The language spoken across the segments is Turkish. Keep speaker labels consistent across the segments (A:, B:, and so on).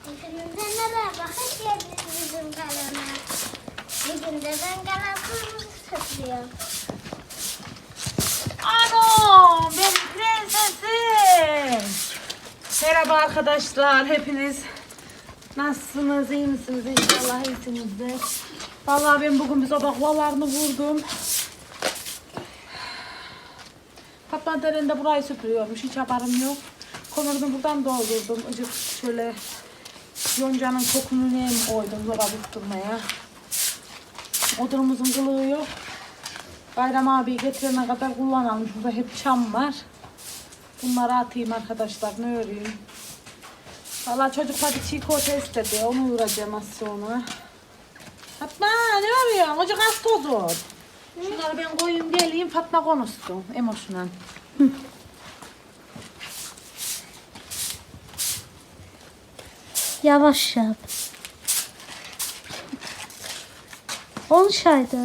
A: Hepinize merhaba, hoş geldiniz bizim kanala. Bugün de ben kanalımızı satıyorum.
B: Anam benim prensesim. Merhaba arkadaşlar, hepiniz nasılsınız, iyi misiniz? İnşallah iyisinizdir. Vallahi ben bugün bir sabah valarını vurdum. Fatma derinde burayı süpürüyormuş, hiç haberim yok. Konurunu buradan doldurdum. Icık şöyle yoncanın kokunu neyim koydum zoba tutturmaya. Odunumuzun kılığı yok. Bayram abi getirene kadar kullanalım. Burada hep çam var. Bunları atayım arkadaşlar. Ne öreyim? Valla çocuklar bir çiğ köfte istedi. Onu uğrayacağım az sonra. Fatma ne örüyorsun? Ocak az toz ol. Şunları ben koyayım geleyim. Fatma konuşsun. Emoşundan.
C: Yavaş yap. Olsaydı.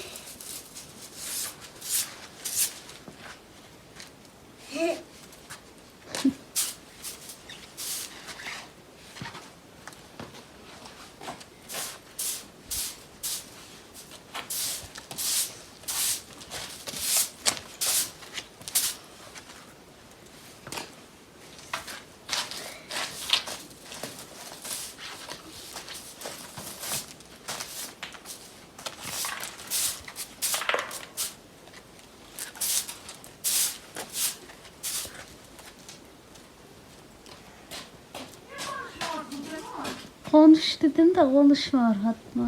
C: Konuş dedim de konuşmuyor Fatma.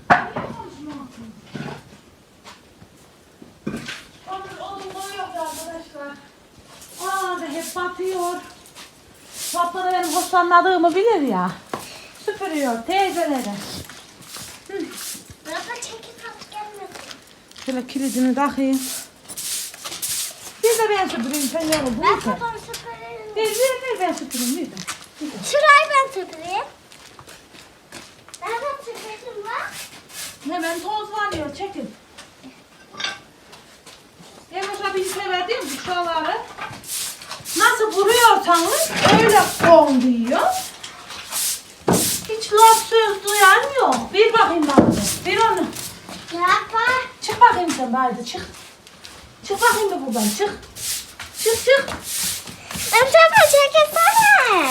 B: Onun koyuyor arkadaşlar. Aa da hep batıyor. Fatma da benim hoşlanmadığımı bilir ya. Süpürüyor teyzeleri.
A: Baba çekip at gelmesin.
B: Şöyle kilidini takayım. Bir de ben süpüreyim sen yoruldun
A: Ben
B: mu?
A: babam süpüreyim.
B: Ver ben süpüreyim bir de.
A: Şurayı ben süpüreyim. Nereden süpürdüm bak?
B: Hemen toz var ya çekin. Emoş abi sever mi şuraları? Nasıl vuruyorsanız öyle kon diyor. Hiç laf söz duyan yok. Bir bakayım bana. Bir onu.
A: Yapma.
B: Çık bakayım sen bari çık. Çık bakayım da buradan çık. Çık.
A: Baba çekilsene.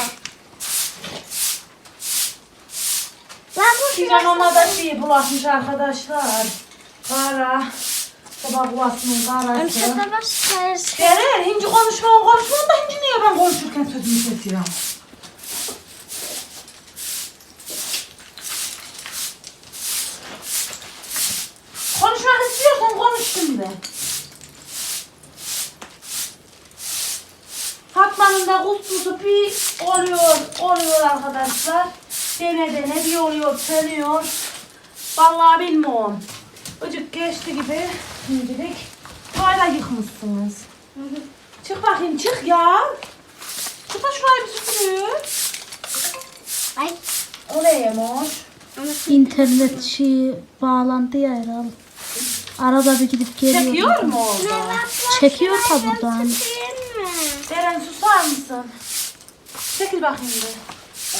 A: Lan bu
B: Pijamama da şey bulaşmış arkadaşlar. Kara. Sabah bulaşmanın karası.
A: Baba sayırsın.
B: Gelir, hinci konuşma da hinci niye ben konuşurken sözümü kesiyorum? Konuşmak istiyorsan konuş şimdi. Fatma'nın da kustusu bir oluyor arkadaşlar. Dene bir oluyor, sönüyor. Vallahi bilmiyorum. Öcük geçti gibi şimdilik. Hala yıkmışsınız. Çık bakayım çık ya. Çık da şurayı bir süpürüyor.
A: Ay.
B: O ne yemiş?
C: İnternet bağlandı ya herhalde. Arada bir gidip geliyor.
B: Çekiyor mu orada?
C: Çekiyor ta buradan.
A: Süpüreyim mi?
B: Deren susar mısın? Çekil bakayım bir.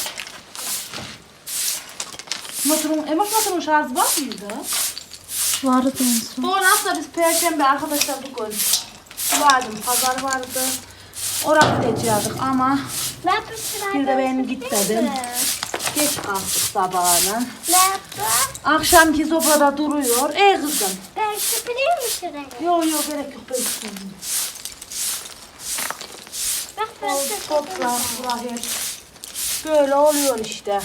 B: Motorun şarjı var mıydı?
C: Vardı en son.
B: Doğru aslında biz Perşembe arkadaşlar bugün vardı, pazar vardı. Oraya gidecektik ama
A: Ben bu sırayı
B: bir de ben
A: süpüreyim
B: gitmedim.
A: mi?
B: Geç kalktık sabahına.
A: Ne yaptın?
B: Akşamki sofrada duruyor. Ey kızım.
A: Ben süpüreyim mi şurayı?
B: Yok gerek yok ben süpüreyim.
A: Bak ben
B: Topla
A: süpürdüm.
B: buraya. Böyle oluyor işte.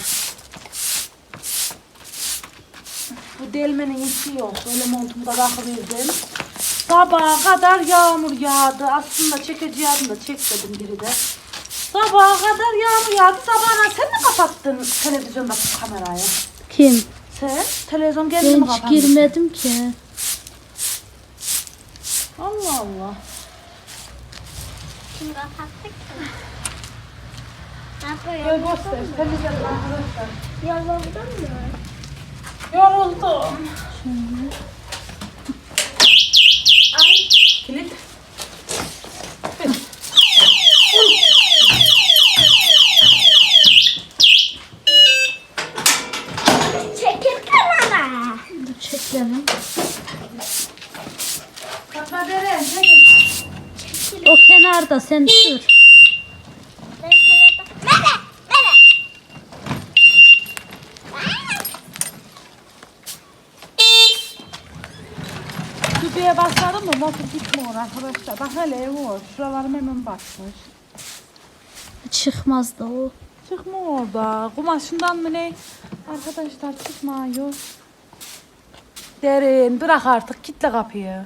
B: Bu delmenin işi yok. Böyle montumu da bakıverdim. Sabaha kadar yağmur yağdı. Aslında çekeceğim de çekmedim biri de. Sabaha kadar yağmur yağdı. Sabahına sen mi kapattın televizyondaki kamerayı?
C: Kim?
B: Sen? Televizyon geldi
C: Ben
B: mi
C: hiç
B: kapandı?
C: girmedim ki.
B: Allah Allah.
A: Kim kapattık ki? Ne yapıyor?
B: Gel göster. Temizledim arkadaşlar.
A: Yoruldun mu?
B: Yoruldum. Ay. Kilit.
C: kenarda sen dur.
A: Ben sana da... Bebe! Bebe!
B: Düdüğe basalım mı? Motor gitmiyor arkadaşlar. Bak hele ev var. Şuralarım hemen batmış.
C: Çıkmaz da o.
B: Çıkma orada. Kumaşından mı ne? Arkadaşlar çıkmıyor. Derin bırak artık kitle kapıyı.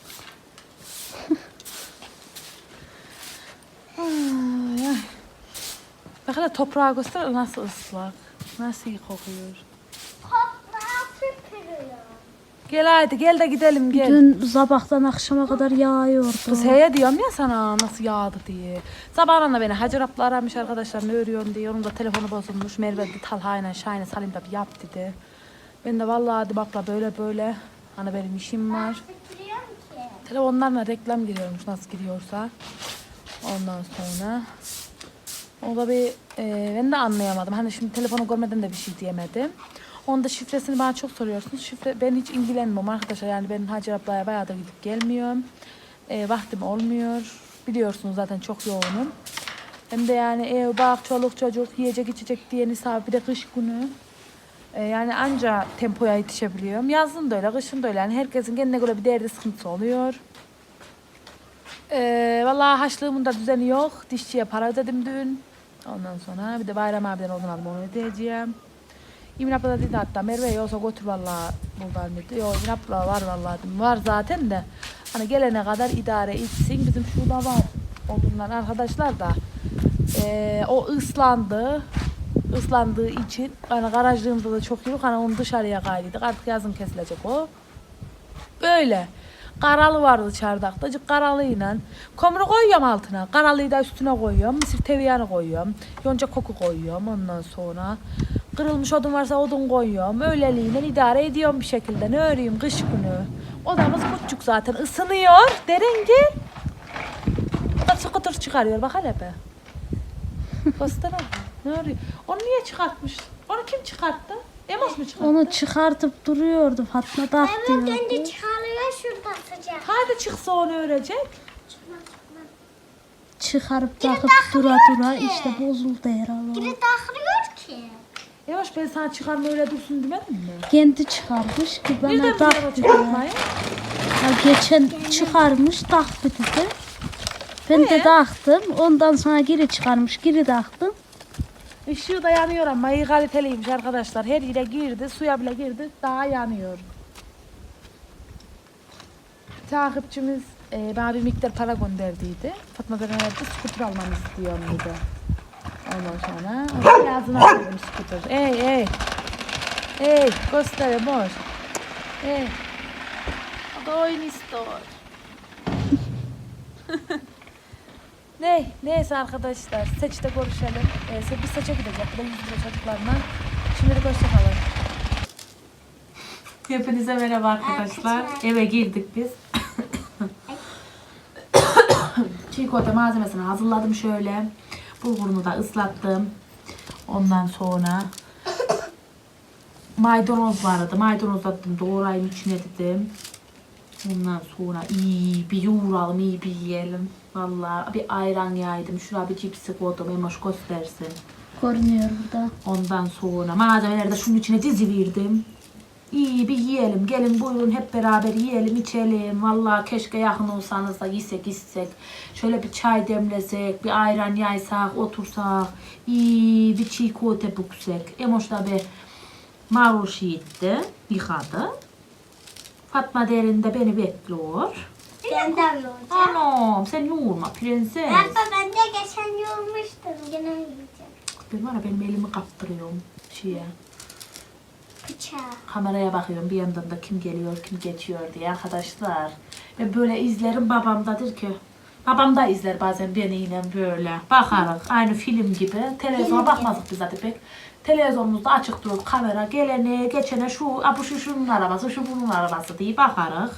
B: Ay, ay. Bak hele toprağı göster nasıl ıslak. Nasıl iyi kokuyor.
A: Toprağı süpürüyor.
B: Gel haydi gel de gidelim gel.
C: Dün sabahtan akşama kadar yağıyordu.
B: Kız heye diyorum ya sana nasıl yağdı diye. Sabahına beni Hacer abla aramış arkadaşlar ne örüyorsun diye. Onun da telefonu bozulmuş. Merve dedi Talha'yla Şahin'e salayım da bir yap dedi. Ben de vallahi hadi bakla böyle böyle. Hani benim işim var.
A: Süpürüyorum ki.
B: Telefonlarla reklam giriyormuş nasıl giriyorsa. Ondan sonra. O da bir ben de anlayamadım. Hani şimdi telefonu görmeden de bir şey diyemedim. Onun da şifresini bana çok soruyorsunuz. Şifre ben hiç ilgilenmiyorum arkadaşlar. Yani ben Hacer ablaya bayağıdır gidip gelmiyorum. Vaktim olmuyor. Biliyorsunuz zaten çok yoğunum. Hem de yani ev, bak, çoluk, çocuk, yiyecek, içecek diye nisabı bir de kış günü. Yani anca tempoya yetişebiliyorum. Yazın da öyle, kışın da öyle. Yani herkesin kendine göre bir derdi sıkıntısı oluyor. Vallahi haçlığımın da düzeni yok. Dişçiye para ödedim dün. Ondan sonra bir de Bayram abiden odun aldım onu ödeyeceğim. İmin abla da dedi hatta Merve yoksa götür vallahi buradan dedi. Yok İmin abla var vallahi dedim. Var zaten de. Hani gelene kadar idare etsin. Bizim şurada var odunlar arkadaşlar da. O ıslandı. Islandığı için hani garajlığımızda da çok yok. Hani onu dışarıya kaydıydık. Artık yazın kesilecek o. Böyle. Karalı vardı çardakta. Acık karalıyla. Kömürü koyuyorum altına. Karalıyı da üstüne koyuyorum. Mısır tereyağını koyuyorum. Yonca koku koyuyorum ondan sonra. Kırılmış odun varsa odun koyuyorum. Öyleliğine idare ediyorum bir şekilde. Ne öreyim kış günü. Odamız küçük zaten. Isınıyor. Derin gel. Skuter çıkarıyor. Bak hele be. Göster abi. Ne öreyim. Onu niye çıkartmış? Onu kim çıkarttı? Emos mu çıkarttı?
C: Onu çıkartıp duruyordu Fatma da
A: Hemen
C: diyordu.
A: döndü çıkarıyor şurada sıcak.
B: Hadi çıksa onu örecek.
A: Çıkma çıkma.
C: Çıkarıp
A: Biri
C: takıp dura
A: takmıyor
C: dura
A: ki.
C: işte bozuldu herhalde.
A: Biri takılıyor ki.
B: Yavaş ben sana çıkarma öyle dursun demedim mi?
C: Kendi çıkarmış ki
B: Nereden
C: bana
B: biliyor o
C: tak diyor.
B: çıkartmayı?
C: Ya geçen çıkarmış taktı dedi. Ben de taktım. Ondan sonra geri çıkarmış geri taktım.
B: Işığı da yanıyor ama iyi kaliteliymiş arkadaşlar. Her yere girdi, suya bile girdi. Daha yanıyor. Takipçimiz bana bir miktar para gönderdiydi. Fatma Beren evde skuter almamı istiyorum dedi. Ondan sonra onun yazına koydum skuter. Ey. Ey göstereyim boş. Ey. O da oyun istiyor. Neyse arkadaşlar seçte görüşelim. Biz seçe gideceğiz. Bir de 100 lira çocuklarla. Şimdilik hoşçakalın. Hepinize merhaba arkadaşlar. Eve girdik biz. Çiğ köfte malzemesini hazırladım şöyle. Bulgurunu da ıslattım. Ondan sonra maydanoz vardı. Maydanoz attım. Doğrayayım içine dedim. Ondan sonra iyi bir yoğuralım, iyi bir yiyelim. Vallahi bir ayran yaydım. Şuraya bir cipsi koydum. Emoş göstersin.
C: Görünüyor burada.
B: Ondan sonra malzemeleri de şunun içine diziverdim. İyi bir yiyelim. Gelin buyurun hep beraber yiyelim, içelim. Vallahi keşke yakın olsanız da yesek, içsek. Şöyle bir çay demlesek, bir ayran yaysak, otursak. İyi bir çiğ köfte büksek. Emoş da bir marul yiğitti, yıkadı. Fatma Derin de beni bekliyor.
A: Ben de yoğuracağım.
B: Anam sen yoğurma prenses.
A: Ben de geçen yoğurmuştum. Yine yiyeceğim.
B: Ben var ya benim elimi kaptırıyorum şeye.
A: Bıçağı.
B: Kameraya bakıyorum bir yandan da kim geliyor kim geçiyor diye arkadaşlar. Ve böyle izlerim babamdadır ki. Babam da izler bazen beni yine böyle. Bakarız aynı film gibi. Televizyona bakmazdık biz zaten pek. Televizyonumuzda açık durur kamera gelene geçene şunun arabası şu bunun arabası diye bakarız.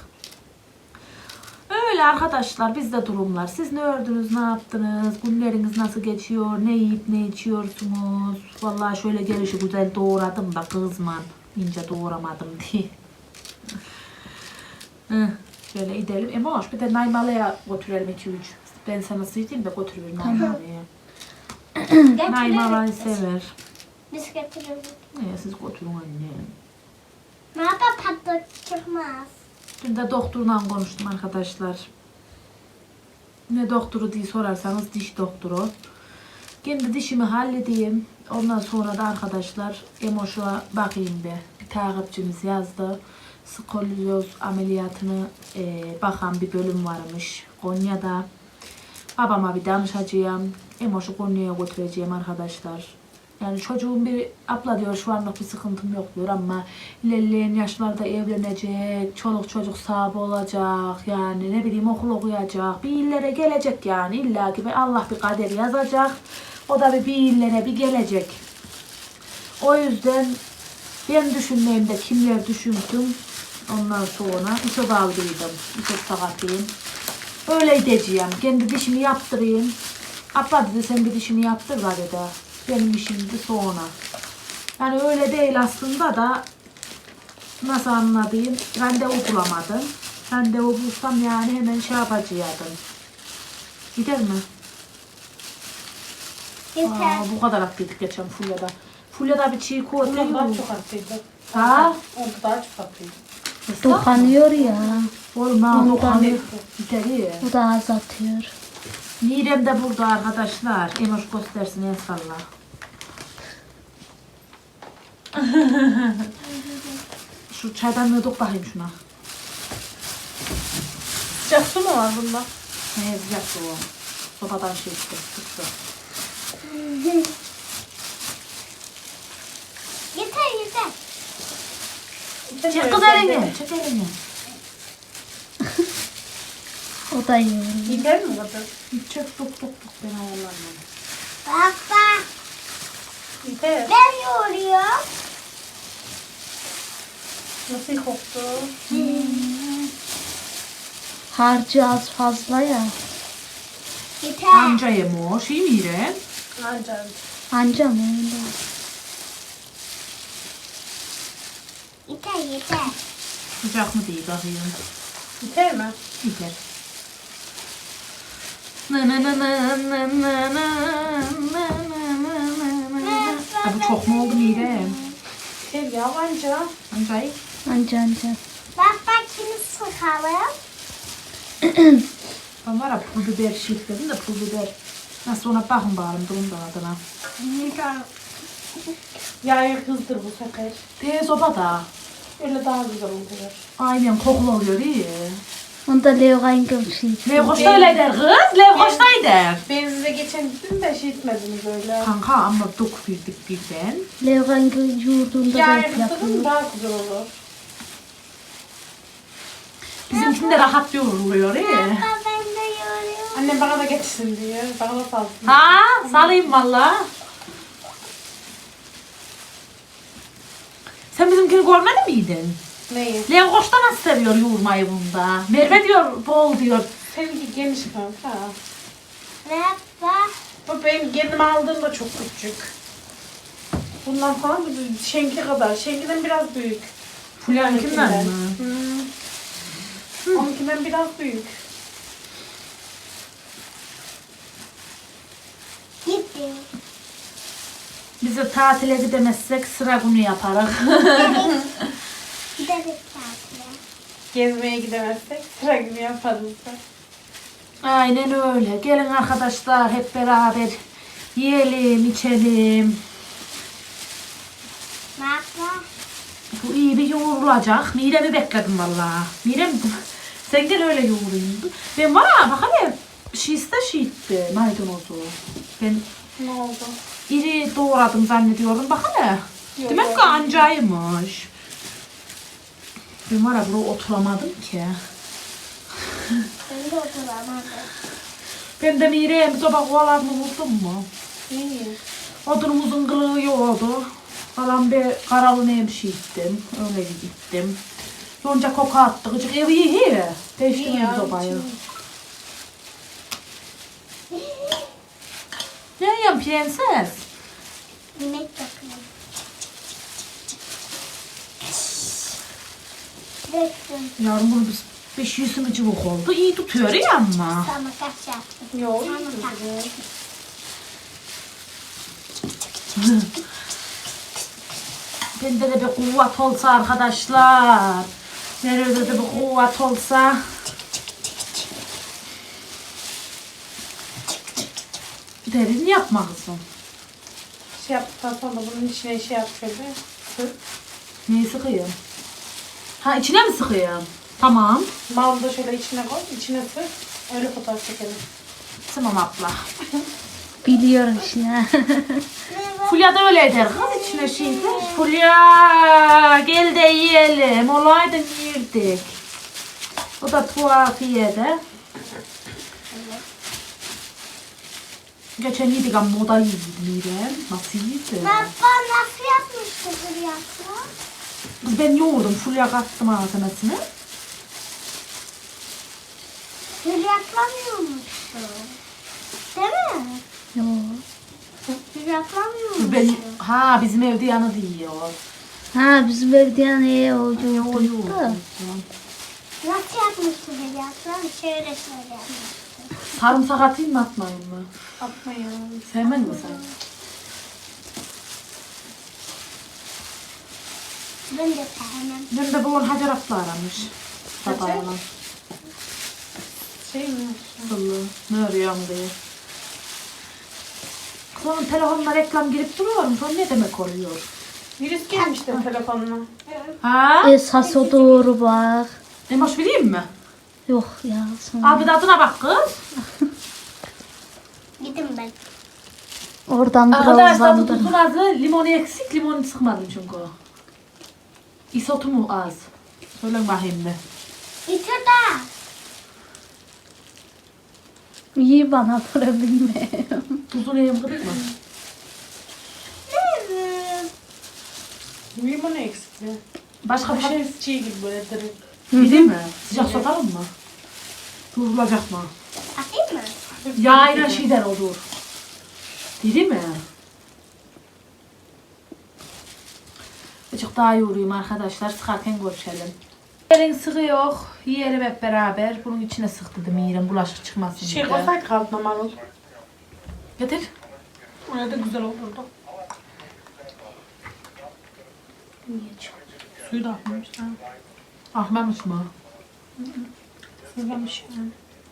B: Öyle arkadaşlar bizde durumlar. Siz ne ördünüz, ne yaptınız? Günleriniz nasıl geçiyor? Ne yiyip ne içiyorsunuz? Vallahi şöyle gelişi güzel doğradım da kızman. İnce doğramadım diye. Şöyle gidelim. Emoş bir de Naymalı'ya götürelim 2-3. Ben sana sıydayım da götürürüm Naim abiye.
A: Getiririz
B: Naim abi
A: biz.
B: sever.
A: Biz getiririz.
B: Ne siz götürün anne.
A: Ne yapar tatlı çıkmaz.
B: Dün de doktorla konuştum arkadaşlar. Ne doktoru diye sorarsanız diş doktoru. Kendi dişimi halledeyim. Ondan sonra da arkadaşlar Emoş'a bakayım bir. Bir takipçimiz yazdı. Skolyoz ameliyatını bakan bir bölüm varmış Konya'da. Babama bir danışacağım. Emoş'u Konya'ya götüreceğim arkadaşlar. Yani çocuğum bir abla diyor şu anlık bir sıkıntım yok diyor ama ilerleyen yaşlarda evlenecek, çoluk çocuk sahibi olacak, yani ne bileyim okul okuyacak, bir illere gelecek yani illa ki Allah bir kader yazacak. O da bir illere bir gelecek. O yüzden ben düşünmeyeyim de kimler düşünsün. Ondan sonra İso kaldıydım. İso sakatlıyım. Öyle gideceğim. Kendi dişimi yaptırayım. Abla dedi sen bir dişini yaptır var dedi. Benim işim de sonra. Yani öyle değil aslında da nasıl anlatayım? Randevu bulamadım. Randevu bulsam yani hemen şey yapacaktım. Gider mi?
A: Yeter.
B: Bu kadar attıydık geçen Fulya'da. Fulya'da bir çiğ kola
D: Ondan daha çok attıydı.
B: Ha?
D: Onda daha çok attıydı.
C: Dokanıyor ya.
B: Oğlum ha dokanıyor. Gider.
C: O da az atıyor.
B: Mirem de burada arkadaşlar. Emoş göstersin en salla. Şu çaydanlığı dök bakayım şuna.
D: Sıcak su mu var bunda?
B: Ne yazacaktı o? Sobadan şey işte. Tuttu.
A: Yeter.
B: Çek kız elini. Çek elini.
C: O da yiyor.
D: Gider mi kadar?
B: Çek tuk tuk tuk. Ben ayarlarım.
A: Baba
D: Gider.
A: ben yoruyorum.
D: Nasıl koktu?
C: Harcı az fazla ya.
A: Yeter.
B: Anca Emoş. İyi Mirem.
D: Ancak.
C: Anca mı öyle?
A: Yeter.
B: Sıcak mı değil bakayım.
D: Gider mi?
B: Gider. Na na na na na na na na na. Bu çok mu oldu Mirem?
D: Gider ya anca.
B: Ancay.
C: Anca.
A: Baba kimi sıkalım?
B: Ben var ya pul biber şirkledim de pul biber. Nasıl ona bakın bakalım durumda adına.
D: Yağı kızdır bu sefer.
B: Tez sobada.
D: Öyle daha güzel oluyor.
B: Aynen kokulu oluyor iyi.
C: Onda levgayın gömşüydü.
B: Levkoşta öyle der kız. Levkoşta der.
D: Ben size geçen gittim de şey etmediniz öyle.
B: Kanka ama dok bildik birden.
C: Levgayın yurdunda
D: Yağı
C: da
D: kızdırın
C: yapıyor.
D: daha güzel olur.
B: Bizimkinde rahat yoğruluyor iyi.
A: Baba ben de yoruyorum.
D: Annem bana da getirsin diyor. Bana da salsın.
B: Ha salayım valla. Sen bizimkini görmedi miydin?
D: Neyi?
B: Levkoşta nasıl seviyor yoğurmayı bunda. Merve diyor bol diyor.
D: Seninki geniş kanka.
A: Baba
D: Bu benim kendim aldığımda çok küçük. Bundan falan bir şenki kadar. Şenkiden biraz büyük.
B: Fulya'nınkinden mi?
D: Onunkinden biraz büyük.
A: gitti.
B: Biz de tatile gidemezsek sıra günü yaparız.
A: Gideriz tatile.
D: Gezmeye gidemezsek sıra günü yaparız da.
B: Aynen öyle. Gelin arkadaşlar hep beraber yiyelim, içelim.
A: Baba
B: Bu iyi bir yoğrulacak. Mirem'i bekledim vallahi. Mirem sen gel öyle yoğurayım. Ben var ya bak hele şişte şişti maydanozu. Ben
D: Ne oldu?
B: iri doğradım zannediyorum. Bak hele.
D: Yok,
B: Demek
D: yok.
B: ki ancaymış. Ben var ya buraya oturamadım ki.
A: ben de oturamadım.
B: Ben de Mirem soba kovalarını vurdum mu?
D: İyi.
B: Odunumuzun kılığı yoğurdu. Falan bir karalı nemşi ittim. Öyle gittim. Yonca koku attı. Gıcık evi iyi. Değiştirdim
D: ya,
B: sobayı. Ne yiyorsun prenses?
A: Yemek bakıyorum. Döktüm.
B: Yavrum bunu biz
D: 500 mı cıvık oldu. İyi tutuyor ya ama.
A: Sana kaç yaptım?
B: Yok.
A: Sana kaç.
D: Bende de bir kuvvet olsa arkadaşlar. Nerede de bir kuvvet olsa. Derin yapma kızım.
B: Şey yaptıktan sonra bunun içine şey yap şöyle. Sık.
D: Neyi sıkayım? Ha içine mi sıkayım? Tamam.
B: Malı da şöyle içine koy. İçine sık. Öyle fotoğraf çekelim.
D: Tamam abla.
C: Biliyorum şimdi.
D: Fulya da öyle eder kız içine şeydi. Fulya gel de yiyelim. Olaydı yerdik. O da tuhafiyede. Geçen yedik ama o da iyiydi Mirem. Nasıl iyiydi?
A: Baba nasıl yapmıştı bu yapma?
D: Kız ben yoğurdum. Fulya kattım malzemesini.
A: Gül yaplamıyormuştu. Değil mi?
C: Yok.
A: Gül yaplamıyormuş.
D: Kız ben, bizim evde yanı diyor.
C: Ha bizim evde yani o yoğurdu.
A: Nasıl yapmıştı bu yapma? Şöyle yapmıştı.
D: Sarımsak atayım mı atmayayım mı?
B: Atmayın.
D: Sevmez mi sen?
A: Ben de sevmem.
D: Ben de bu Hacer abla aramış. Sabahına.
B: Şey mi?
D: Sılı. Ne arıyorum diye. Kız onun telefonuna reklam girip duruyorum. Sonra ne demek oluyor?
B: Virüs gelmişti telefonuna.
D: Ha?
C: Esas o doğru bak.
D: Emoş vereyim mi?
C: Yok ya sonra.
D: Abi de adına bak kız.
A: Gidin ben.
C: Oradan
D: Arkadaşlar bu
C: birazdan
D: tuzun azı. Limonu eksik. Limonu sıkmadım çünkü. İsotu mu az? Söylen bakayım bir.
A: Bitir de.
C: İyi bana para bilmiyorum.
D: Tuzunu yiyeyim kırık mı?
B: Limon eksikti.
D: Başka bir şey
B: Hafif çiğ gibi böyle direkt.
D: değil mi? Sıcak satalım mı? Durulacak mı?
A: Atayım mı?
D: Yağıyla şeyler olur. Değil mi? Azıcık daha yoğurayım arkadaşlar. Sıkarken görüşelim. Yerin sıkı yok. Yiyelim hep beraber. Bunun içine sık dedim yiyelim. Bulaşık çıkmasın
B: Şey
D: diye.
B: koysaydık altına marul.
D: Getir.
B: Öyle de güzel olurdu. Suyu da atmamış. Ha.
D: Ahmamış mı?
B: Sızlamış yani.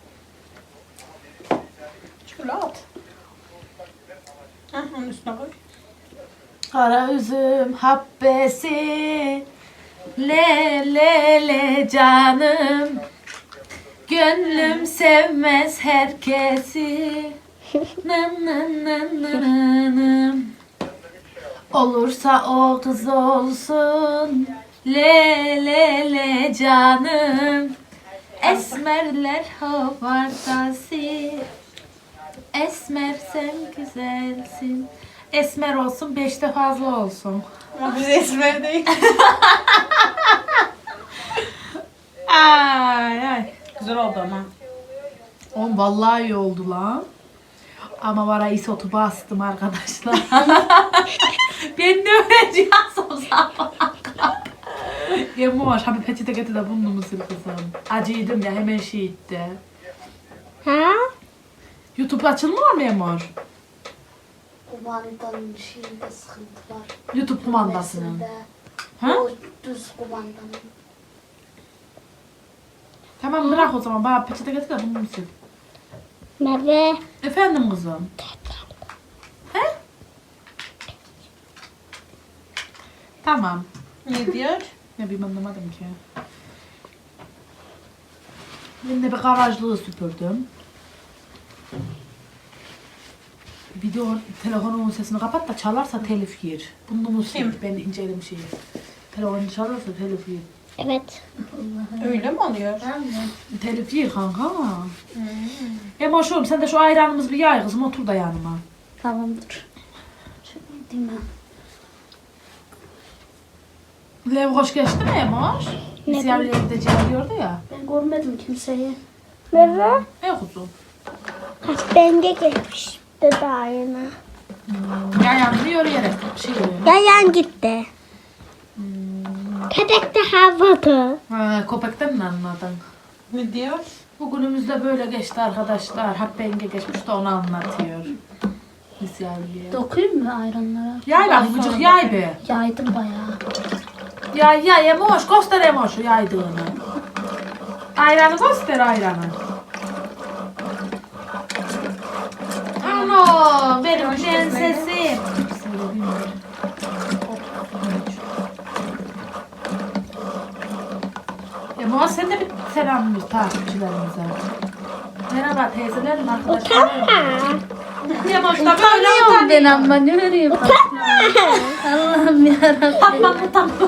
B: Şöyle at. Hah, onun üstüne koy.
D: Kara üzüm habbesi. Le le le canım. Gönlüm sevmez herkesi. Nım nım nım nım nım. Olursa o kız olsun. Le le le canım. Esmerler havardası. Esmer sen güzelsin. Esmer olsun 5'te fazla olsun.
B: Ama biz esmer değil.
D: Ay ay.
B: Güzel oldu ama.
D: Oğlum vallahi iyi oldu lan. Ama var ya isotu bastım arkadaşlar. Ben de öğreneceğim o zaman. Yemoş, abi peçete getir de bunu mu sil kızım? Acıydım ya hemen şey itti.
A: Ha?
D: YouTube açılmıyor mu Yemoş?
E: Kumandanın şeyinde sıkıntı var.
D: YouTube kumandasının. Ha?
E: O düz kumandanın.
D: Tamam bırak o zaman. Bana peçete getir de bunu mu sil?
A: Merve.
D: Efendim kızım? He? Tamam.
B: Ne diyor?
D: Ne bileyim anlamadım ki. Ben de bir garajlığı süpürdüm. Video telefonumun sesini kapat da çalarsa telif yer. Bunu mu
B: Kim?
D: Ben incelim şeyi. Telefonu çalarsa telif yer.
A: Evet.
B: Öyle mi oluyor?
D: Telif yer kanka. Emoşum sen de şu ayranımız bir yay kızım otur da yanıma.
C: Tamamdır.
E: Değil mi?
D: Lev hoş geçti mi Emoş? Biz yerli evde diyordu ya.
E: Ben görmedim kimseyi.
A: Merve.
D: Ne kuzum?
A: Bence geçmişti daha yeni.
D: Yayan yürüyerek şey oluyor.
A: Yayan gitti. Köpek de havada.
D: Ha, köpekten mi anladın?
B: Ne diyor?
D: Bugünümüz de böyle geçti arkadaşlar. Hakkı yenge geçmiş de onu anlatıyor. Biz yavruya.
E: Dokuyayım mı ayranlara?
D: Yay bak gıcık yay be.
E: Yaydım bayağı.
D: Yay Emoş göster Emoş'u yaydığını. Ayranı göster ayranı. Ano benim prensesim. Emoş sen de bir selam ver takipçilerimize. Merhaba teyzelerim arkadaşlarım. Emoş da böyle
C: Ben
D: utanıyor.
C: ama ne vereyim? Allah'ım yarabbim.
D: Utanma.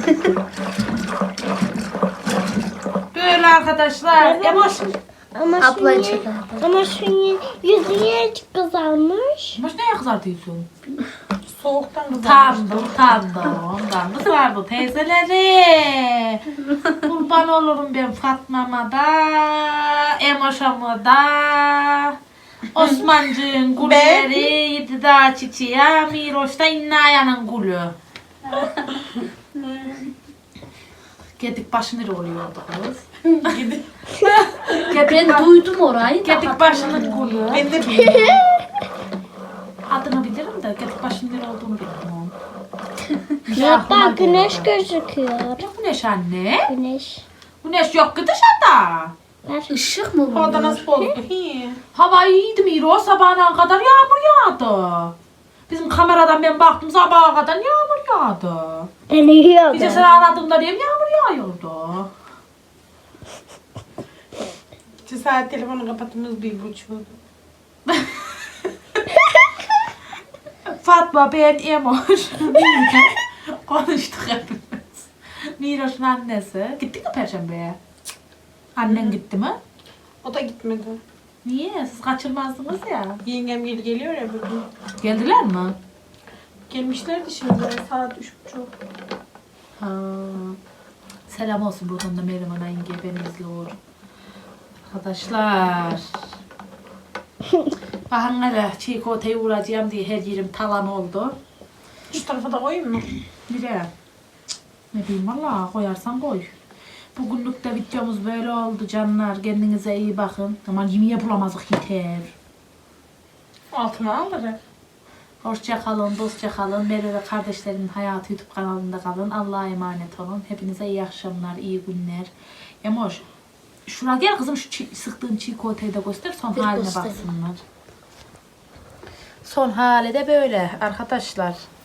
D: Böyle arkadaşlar. Emoş.
C: Ablayı çıkardı.
A: Ama şunun yüzü niye kızarmış?
D: Emoş neye kızartıyorsun?
B: Soğuktan kızarmış.
D: Utandı. Ondan kızardı teyzeleri. Kurban olurum ben Fatma'ma da, Emoş'ama da. Osmancığın gülleri, yedi dağ çiçeği, Miroş'ta İnnaya'nın gülü. Gedik başı nere oluyordu kız?
E: Ben duydum orayı.
D: Gedik başının gülü.
B: Ben de bilmiyorum.
D: Adını bilirim de gedik başının nere olduğunu bilmiyorum.
A: Yok bak güneş gözüküyor.
D: Ne güneş anne?
A: Güneş.
D: Güneş yok ki dışarıda.
E: Işık mı bu?
B: Orada nasıl oldu? Hi.
D: Hava iyiydi Miro, sabahına kadar yağmur yağdı. Bizim kameradan ben baktım sabaha kadar yağmur yağdı.
A: Ben uyuyordum.
D: Gece seni aradığımda diyeyim yağmur yağıyordu.
B: 2 saat telefonu kapattığımız 1.30'du.
D: Fatma, ben, Emoş, konuştuk hepimiz. Miroş'un annesi. Gittik mi Perşembe'ye? Annen gitti mi?
B: O da gitmedi.
D: Niye? Siz kaçırmazdınız ya.
B: Yengem geliyor ya bugün.
D: Geldiler mi?
B: Gelmişlerdi şimdi saat 3.30.
D: Ha. Selam olsun buradan da Meryem Ana yenge beni izliyor. Arkadaşlar. Bakın hele çiğ köfteyi vuracağım diye her yerim talan oldu.
B: Şu tarafa da koyayım mı?
D: Nereye? Ne bileyim valla koyarsan koy. Bugünlük de videomuz böyle oldu canlar. Kendinize iyi bakın. Aman yemeğe bulamazdık yeter.
B: Altına alırım.
D: Hoşça kalın, dostça kalın. Merve ve kardeşlerimin hayatı YouTube kanalında kalın. Allah'a emanet olun. Hepinize iyi akşamlar, iyi günler. Emoş, şuraya gel kızım şu sıktığın çiğ köfteyi de göster. Son haline
E: göstereyim.
D: baksınlar. Son hali de böyle arkadaşlar.